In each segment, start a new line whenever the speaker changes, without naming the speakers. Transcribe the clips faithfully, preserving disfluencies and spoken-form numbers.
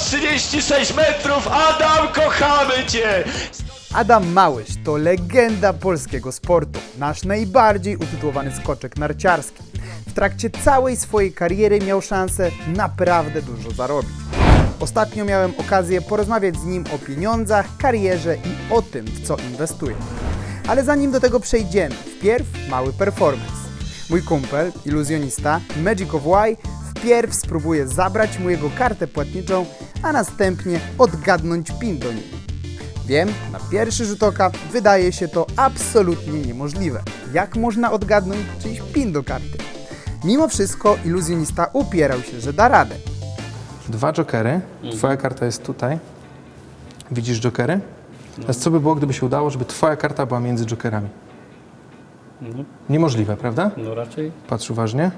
trzydzieści sześć metrów! Adam, kochamy cię!
Adam Małysz to legenda polskiego sportu, nasz najbardziej utytułowany skoczek narciarski. W trakcie całej swojej kariery miał szansę naprawdę dużo zarobić. Ostatnio miałem okazję porozmawiać z nim o pieniądzach, karierze i o tym, w co inwestuje. Ale zanim do tego przejdziemy, wpierw mały performance. Mój kumpel, iluzjonista Magic of Y, wpierw spróbuje zabrać mu jego kartę płatniczą, a następnie odgadnąć pin do niej. Wiem, na pierwszy rzut oka wydaje się to absolutnie niemożliwe. Jak można odgadnąć czyjś pin do karty? Mimo wszystko iluzjonista upierał się, że da radę.
Dwa jokery. Twoja karta jest tutaj. Widzisz jokery? Teraz co by było, gdyby się udało, żeby twoja karta była między jokerami?
No,
Niemożliwe, prawda?
no raczej.
Patrz uważnie.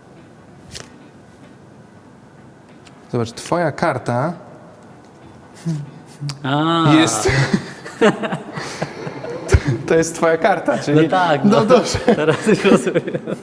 Zobacz, twoja karta
A,
jest... To jest twoja karta, czyli...
No tak,
no
no.
dobrze.
Teraz już rozumiem.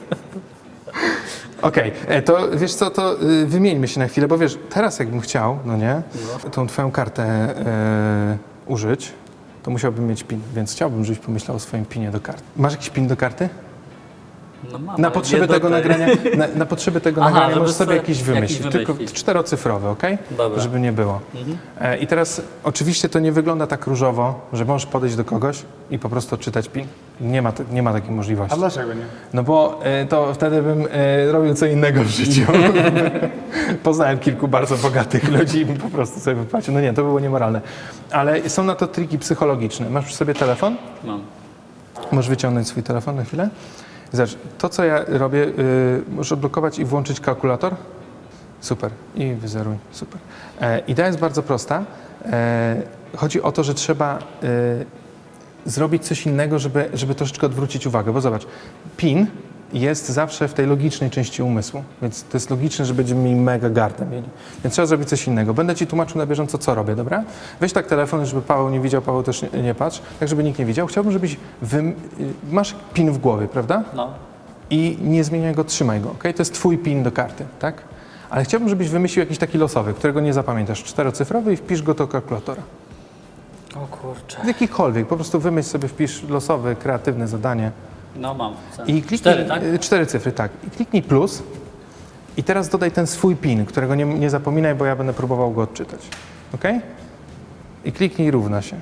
Okej, e, to wiesz co, to y, wymieńmy się na chwilę, bo wiesz, teraz jakbym chciał, no nie, tą twoją kartę e, użyć, to musiałbym mieć pin, więc chciałbym, żebyś pomyślał o swoim pinie do karty. Masz jakiś pin do karty?
No mam,
Na
ale
potrzeby
nie do
tego
tej.
nagrania, na, na potrzeby tego
Aha,
nagrania
żeby
możesz sobie
sobie
jakiś
jakiś
wymyślić, tylko
wymyślić.
czterocyfrowy, okej?
Dobra.
Żeby nie było. E, I teraz oczywiście to nie wygląda tak różowo, że możesz podejść do kogoś i po prostu odczytać pin. Nie ma, te- nie ma takiej możliwości.
dlaczego nie?
No bo e, to wtedy bym e, robił co innego w życiu. Poznałem kilku bardzo bogatych ludzi i bym po prostu sobie wypłacił. No nie, to było niemoralne. Ale są na to triki psychologiczne. Masz przy sobie telefon?
Mam.
Możesz wyciągnąć swój telefon na chwilę? Zobacz, to co ja robię, y, możesz odblokować i włączyć kalkulator. Super. I wyzeruj. Super. E, idea jest bardzo prosta. E, chodzi o to, że trzeba y, zrobić coś innego, żeby, żeby troszeczkę odwrócić uwagę. Bo zobacz, pin jest zawsze w tej logicznej części umysłu, więc to jest logiczne, że będziemy mieli mega gardę mieli. Więc trzeba zrobić coś innego. Będę ci tłumaczył na bieżąco, co robię, dobra? Weź tak telefon, żeby Paweł nie widział, Paweł też nie, nie patrz, tak żeby nikt nie widział. Chciałbym, żebyś wym... masz pin w głowie, prawda?
No.
I nie zmieniaj go, trzymaj go, ok? To jest twój pin do karty, tak? Ale chciałbym, żebyś wymyślił jakiś taki losowy, którego nie zapamiętasz, czterocyfrowy i wpisz go do kalkulatora.
O kurczę.
Jakikolwiek, po prostu wymyśl sobie, wpisz losowe, kreatywne zadanie.
No mam.
I kliknij,
Cztery, tak?
y, Cztery cyfry, tak. I kliknij plus i teraz dodaj ten swój pin, którego nie, nie zapominaj, bo ja będę próbował go odczytać. Ok? I kliknij równa się.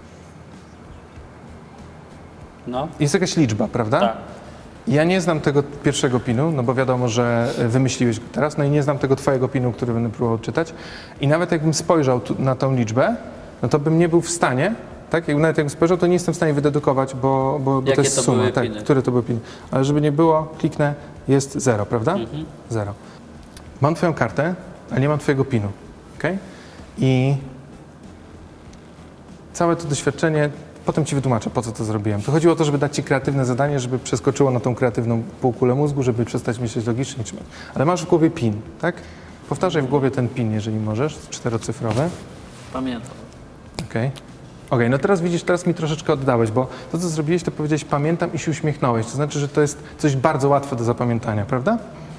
No.
Jest jakaś liczba, prawda?
Tak.
Ja nie znam tego pierwszego pinu, no bo wiadomo, że wymyśliłeś go teraz, no i nie znam tego twojego pinu, który będę próbował odczytać. I nawet jakbym spojrzał tu, na tą liczbę, no to bym nie był w stanie, tak? Jak, nawet jakbym spojrzał, to nie jestem w stanie wydedukować, bo, bo, bo to
Jakie
jest
to
suma.
były
Tak,
piny?
który to był pin. Ale żeby nie było, kliknę, jest zero, prawda?
Mhm.
Zero. Mam twoją kartę, ale nie mam twojego pinu, okej? I całe to doświadczenie, potem ci wytłumaczę, po co to zrobiłem. To chodziło o to, żeby dać ci kreatywne zadanie, żeby przeskoczyło na tą kreatywną półkulę mózgu, żeby przestać myśleć logicznie. Trzymać. Ale masz w głowie pin, tak? Powtarzaj w głowie ten pin, jeżeli możesz, czterocyfrowy.
Pamiętam.
Okej. Okej, no teraz widzisz, teraz mi troszeczkę oddałeś, bo to, co zrobiłeś, to powiedziałeś pamiętam i się uśmiechnąłeś. To znaczy, że to jest coś bardzo łatwe do zapamiętania, prawda?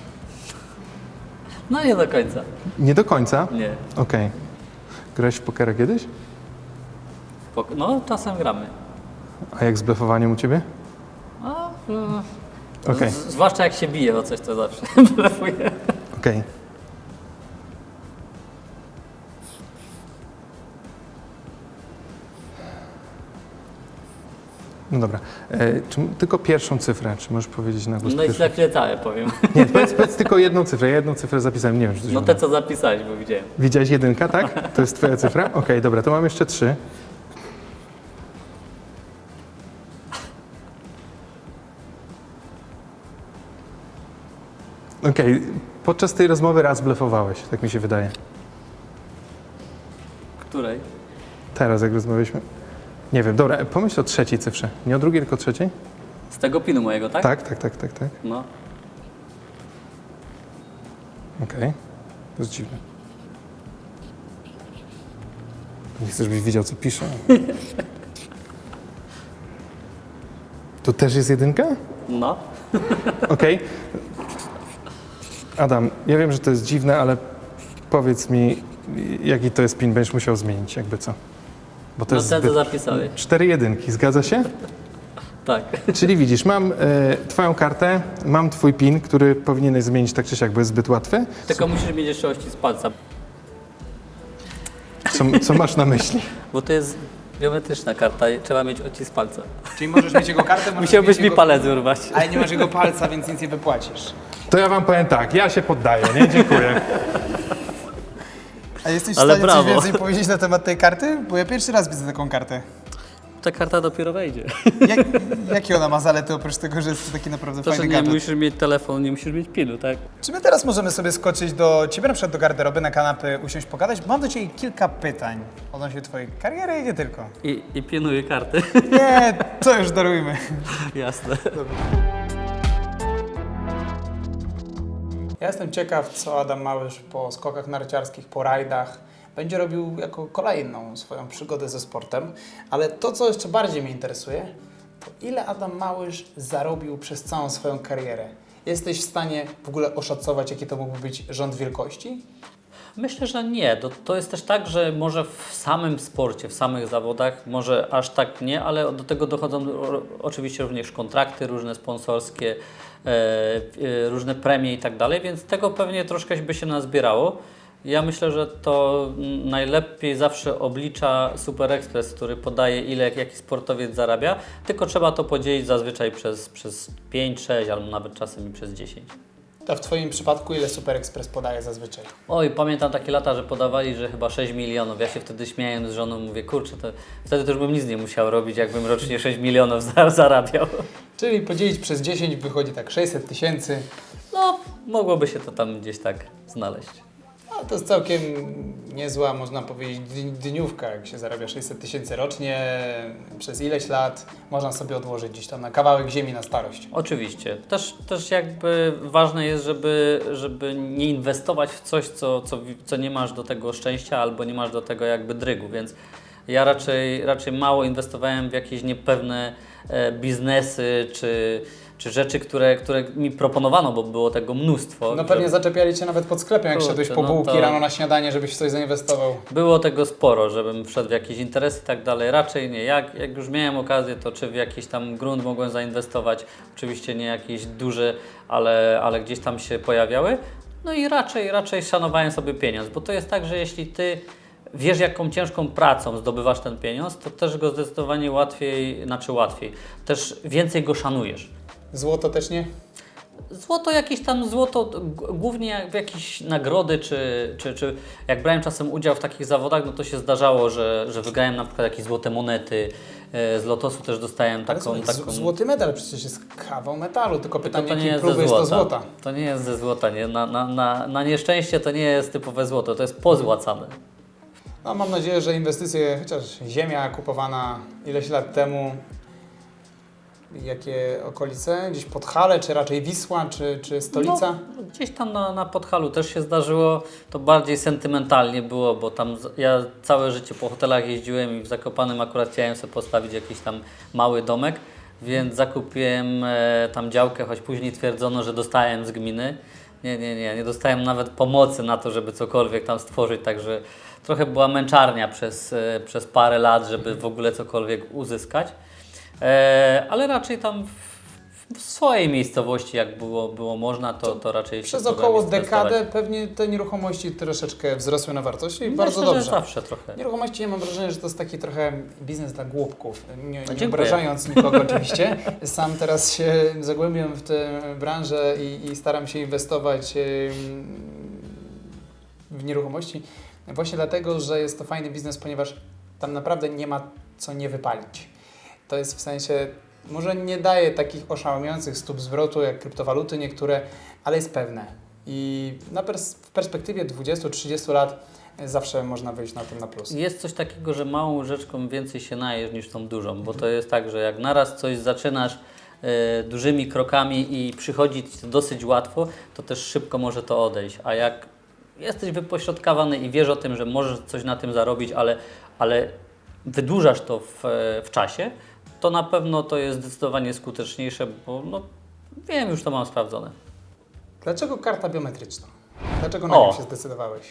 No nie do końca.
Nie do końca?
Nie.
Okej. Grałeś w pokera kiedyś?
Spoko- No czasem gramy.
A jak z blefowaniem u ciebie?
A, mm,
Okej,
z- zwłaszcza jak się bije o coś, to zawsze blefuję.
okej. No dobra. E, czy, tylko pierwszą cyfrę, czy możesz powiedzieć na głos?
No i
pierwszą?
ślepnie całe powiem.
Nie, powiedz, powiedz tylko jedną cyfrę. Ja jedną cyfrę zapisałem, nie wiem, czy to się
No
uda.
te co zapisałeś, bo widziałem.
Widziałeś jedynka, tak? To jest twoja cyfra? Okej, dobra, to mam jeszcze trzy. Okej, podczas tej rozmowy raz blefowałeś, tak mi się wydaje.
Której?
Teraz, jak rozmawialiśmy. Nie wiem, dobra, pomyśl o trzeciej cyfrze. Nie o drugiej, tylko o trzeciej?
Z tego pinu mojego, tak?
Tak, tak, tak, tak, tak.
No.
Okej, to jest dziwne. Nie chcę, żebyś wiedział, co piszę. To też jest jedynka?
No.
Okej. Adam, ja wiem, że to jest dziwne, ale powiedz mi, jaki to jest pin, będziesz musiał zmienić, jakby co. Bo to
No
jest
ten, co
zbyt...
zapisałeś.
Cztery jedynki, zgadza się?
Tak.
Czyli widzisz, mam e, twoją kartę, mam twój pin, który powinieneś zmienić tak czy siak, bo jest zbyt łatwy.
Tylko musisz mieć jeszcze odcisk palca,
Co, co masz na myśli?
bo to jest biometryczna karta i trzeba mieć odcisk palca.
Czyli możesz mieć jego kartę, możesz
Musiałbyś
mieć
mi
jego...
palec urwać.
Ale nie masz jego palca, więc nic nie wypłacisz.
To ja wam powiem tak, ja się poddaję, nie? Dziękuję.
A jesteś w
Ale
stanie
brawo.
coś więcej powiedzieć na temat tej karty? Bo ja pierwszy raz widzę taką kartę.
Ta karta dopiero wejdzie.
Jak, jakie ona ma zalety oprócz tego, że jest to taki naprawdę
To, że
fajny
nie
gadżet?
musisz mieć telefon, nie musisz mieć pinu, tak?
Czy my teraz możemy sobie skoczyć do ciebie, na przykład do garderoby, na kanapy, usiąść, pogadać? Bo mam do ciebie kilka pytań odnośnie twojej kariery i nie tylko.
I, i pinuję karty.
Nie, to już darujmy.
Jasne.
Ja jestem ciekaw, co Adam Małysz po skokach narciarskich, po rajdach będzie robił jako kolejną swoją przygodę ze sportem. Ale to, co jeszcze bardziej mnie interesuje, to ile Adam Małysz zarobił przez całą swoją karierę? Jesteś w stanie w ogóle oszacować, jaki to mógłby być rząd wielkości?
Myślę, że nie. To, to jest też tak, że może w samym sporcie, w samych zawodach, może aż tak nie, ale do tego dochodzą o, oczywiście również kontrakty różne sponsorskie, e, e, różne premie i tak dalej, więc tego pewnie troszkę by się nazbierało. Ja myślę, że to najlepiej zawsze oblicza Super Express, który podaje, ile jaki sportowiec zarabia, tylko trzeba to podzielić zazwyczaj przez, przez pięć, sześć albo nawet czasem i przez dziesięć.
A w Twoim przypadku ile Super Express podaje zazwyczaj?
Oj, pamiętam takie lata, że podawali, że chyba sześć milionów. Ja się wtedy śmiałem z żoną, mówię, kurczę, to wtedy to już bym nic nie musiał robić, jakbym rocznie sześć milionów za- zarabiał.
Czyli podzielić przez dziesięć wychodzi tak sześćset tysięcy.
No, mogłoby się to tam gdzieś tak znaleźć.
No, to jest całkiem niezła, można powiedzieć, dni- dniówka, jak się zarabia sześćset tysięcy rocznie, przez ileś lat można sobie odłożyć gdzieś tam na kawałek ziemi na starość.
Oczywiście. Też, też jakby ważne jest, żeby, żeby nie inwestować w coś, co, co, co nie masz do tego szczęścia albo nie masz do tego jakby drygu, więc ja raczej, raczej mało inwestowałem w jakieś niepewne e, biznesy czy, czy rzeczy, które, które mi proponowano, bo było tego mnóstwo.
No pewnie
że-
zaczepiali Cię nawet pod sklepem, jak
Kurczę,
szedłeś po
no
bułki
to-
rano na śniadanie, żebyś w coś zainwestował.
Było tego sporo, żebym wszedł w jakieś interesy i tak dalej. Raczej nie. Jak, jak już miałem okazję, to czy w jakiś tam grunt mogłem zainwestować. Oczywiście nie jakieś duże, ale, ale gdzieś tam się pojawiały. No i raczej, raczej szanowałem sobie pieniądz, bo to jest tak, że jeśli Ty wiesz, jaką ciężką pracą zdobywasz ten pieniądz, to też go zdecydowanie łatwiej, znaczy łatwiej, też więcej go szanujesz.
Złoto też nie?
Złoto jakieś tam, złoto g- głównie w jakieś nagrody, czy, czy, czy jak brałem czasem udział w takich zawodach, no to się zdarzało, że, że wygrałem na przykład jakieś złote monety, e, z lotosu też dostałem
Ale
taką...
słuchaj,
taką
z- złoty medal przecież jest kawał metalu, tylko
tylko
pytanie,
to nie
jakiej
jest
próby
ze
jest to
złota.
złota.
To nie jest ze złota, nie? Na, na, na, na nieszczęście to nie jest typowe złoto, to jest pozłacane.
No mam nadzieję, że inwestycje, chociaż ziemia kupowana ileś lat temu, jakie okolice? Gdzieś Podhale, czy raczej Wisła, czy, czy stolica?
No, gdzieś tam na, na Podhalu też się zdarzyło, to bardziej sentymentalnie było, bo tam z- ja całe życie po hotelach jeździłem i w Zakopanem akurat chciałem sobie postawić jakiś tam mały domek, więc zakupiłem e, tam działkę, choć później twierdzono, że dostałem z gminy. Nie, nie, nie, nie dostałem nawet pomocy na to, żeby cokolwiek tam stworzyć, także trochę była męczarnia przez, e, przez parę lat, żeby w ogóle cokolwiek uzyskać. E, ale raczej tam w, w swojej miejscowości, jak było, było można, to, to raczej
Przez
się
około
próbowałem inwestować.
dekadę pewnie te nieruchomości troszeczkę wzrosły na wartości i
Myślę,
bardzo
że
dobrze.
zawsze trochę.
Nieruchomości, ja mam wrażenie, że to jest taki trochę biznes dla głupków. Nie, nie
dziękuję.
obrażając nikogo oczywiście. Sam teraz się zagłębiam w tę branżę i, i staram się inwestować em, w nieruchomości. Właśnie dlatego, że jest to fajny biznes, ponieważ tam naprawdę nie ma co nie wypalić. To jest w sensie, może nie daje takich oszałamiających stóp zwrotu jak kryptowaluty niektóre, ale jest pewne. I na pers- w perspektywie dwudziestu trzydziestu lat zawsze można wyjść na tym na plus.
Jest coś takiego, że małą rzeczką więcej się najesz niż tą dużą, bo to jest tak, że jak naraz coś zaczynasz e, dużymi krokami i przychodzi ci to dosyć łatwo, to też szybko może to odejść, a jak jesteś wypośrodkowany i wiesz o tym, że możesz coś na tym zarobić, ale, ale wydłużasz to w, w czasie, to na pewno to jest zdecydowanie skuteczniejsze, bo no, wiem, już to mam sprawdzone.
Dlaczego karta biometryczna? Dlaczego na nią
O.
się zdecydowałeś?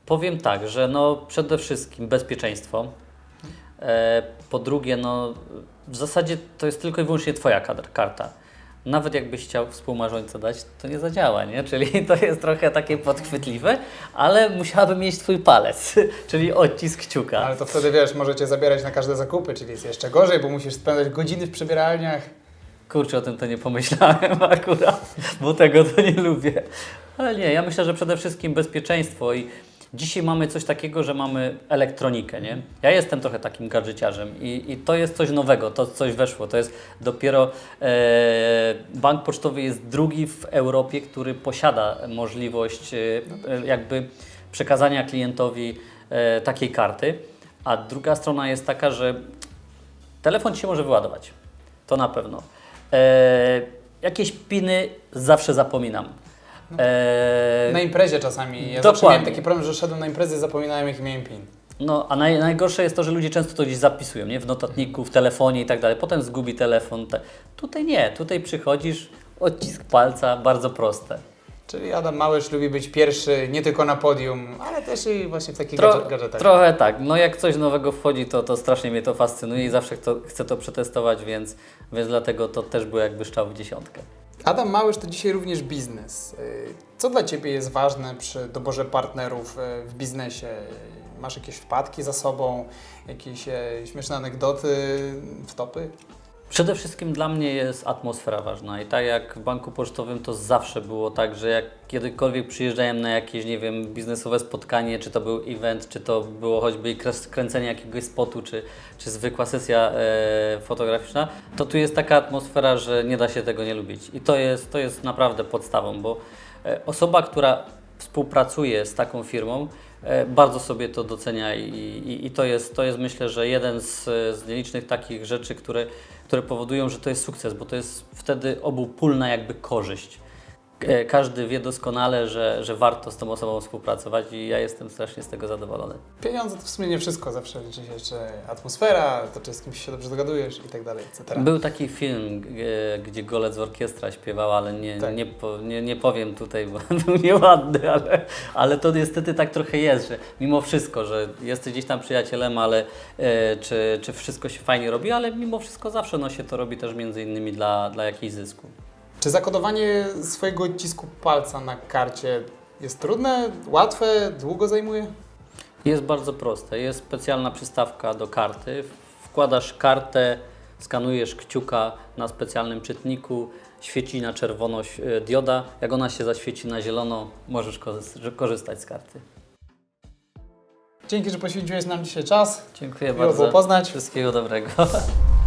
Powiem tak, że no przede wszystkim bezpieczeństwo. E, po drugie, no w zasadzie to jest tylko i wyłącznie Twoja kadr, karta. Nawet jakbyś chciał współmarzońca dać, to nie zadziała, nie? Czyli to jest trochę takie podchwytliwe, ale musiałaby mieć Twój palec, czyli odcisk kciuka.
Ale to wtedy, wiesz, możecie zabierać na każde zakupy, czyli jest jeszcze gorzej, bo musisz spędzać godziny w przebieralniach.
Kurczę, o tym to nie pomyślałem akurat, bo tego to nie lubię. Ale nie, ja myślę, że przede wszystkim bezpieczeństwo i dzisiaj mamy coś takiego, że mamy elektronikę, nie? Ja jestem trochę takim gadżeciarzem i, i to jest coś nowego, to coś weszło. To jest dopiero e, bank pocztowy jest drugi w Europie, który posiada możliwość e, jakby przekazania klientowi e, takiej karty, a druga strona jest taka, że telefon Ci się może wyładować, to na pewno. E, jakieś piny zawsze zapominam. E,
Na imprezie czasami. Ja
Dokładnie.
zawsze miałem taki problem, że szedłem na imprezy i zapominałem, jaki miałem pin.
No, a naj, najgorsze jest to, że ludzie często to gdzieś zapisują, nie? W notatniku, w telefonie i tak dalej. Potem zgubi telefon. Te. Tutaj nie, tutaj przychodzisz, odcisk palca, bardzo proste.
Czyli Adam Małysz lubi być pierwszy nie tylko na podium, ale też i właśnie w takich
Tro,
gadże- gadżetach.
trochę tak. No jak coś nowego wchodzi, to, to strasznie mnie to fascynuje i zawsze chcę, chcę to przetestować, więc, więc dlatego to też było jakby strzał w dziesiątkę.
Adam Małysz to dzisiaj również biznes. Y, Co dla Ciebie jest ważne przy doborze partnerów y, w biznesie? Masz jakieś wpadki za sobą, jakieś e, śmieszne anegdoty, wtopy?
Przede wszystkim dla mnie jest atmosfera ważna i tak jak w banku pocztowym to zawsze było tak, że jak kiedykolwiek przyjeżdżałem na jakieś, nie wiem, biznesowe spotkanie, czy to był event, czy to było choćby kres- kręcenie jakiegoś spotu, czy, czy zwykła sesja e, fotograficzna, to tu jest taka atmosfera, że nie da się tego nie lubić i to jest, to jest naprawdę podstawą, bo e, osoba, która współpracuje z taką firmą, e, bardzo sobie to docenia i, i, i to, jest, to jest myślę, że jeden z, z nielicznych takich rzeczy, które które powodują, że to jest sukces, bo to jest wtedy obopólna jakby korzyść. E, Każdy wie doskonale, że, że warto z tą osobą współpracować i ja jestem strasznie z tego zadowolony.
Pieniądze to w sumie nie wszystko, zawsze liczy się jeszcze atmosfera, to czy z kimś się dobrze dogadujesz i tak dalej, et cetera.
Był taki film, e, gdzie Golec z orkiestra śpiewał, ale nie,
Tak.
nie, po, nie, nie powiem tutaj, bo był nieładny, ale, ale to niestety tak trochę jest, że mimo wszystko, że jesteś gdzieś tam przyjacielem, ale e, czy, czy wszystko się fajnie robi, ale mimo wszystko zawsze no, się to robi też między innymi dla, dla jakiejś zysku.
Czy zakodowanie swojego odcisku palca na karcie jest trudne, łatwe, długo zajmuje?
Jest bardzo proste. Jest specjalna przystawka do karty. Wkładasz kartę, skanujesz kciuka na specjalnym czytniku, świeci na czerwono e, dioda. Jak ona się zaświeci na zielono, możesz korzy- korzystać z karty.
Dzięki, że poświęciłeś nam dzisiaj czas.
Dziękuję
Miło
bardzo.
było poznać.
Wszystkiego dobrego.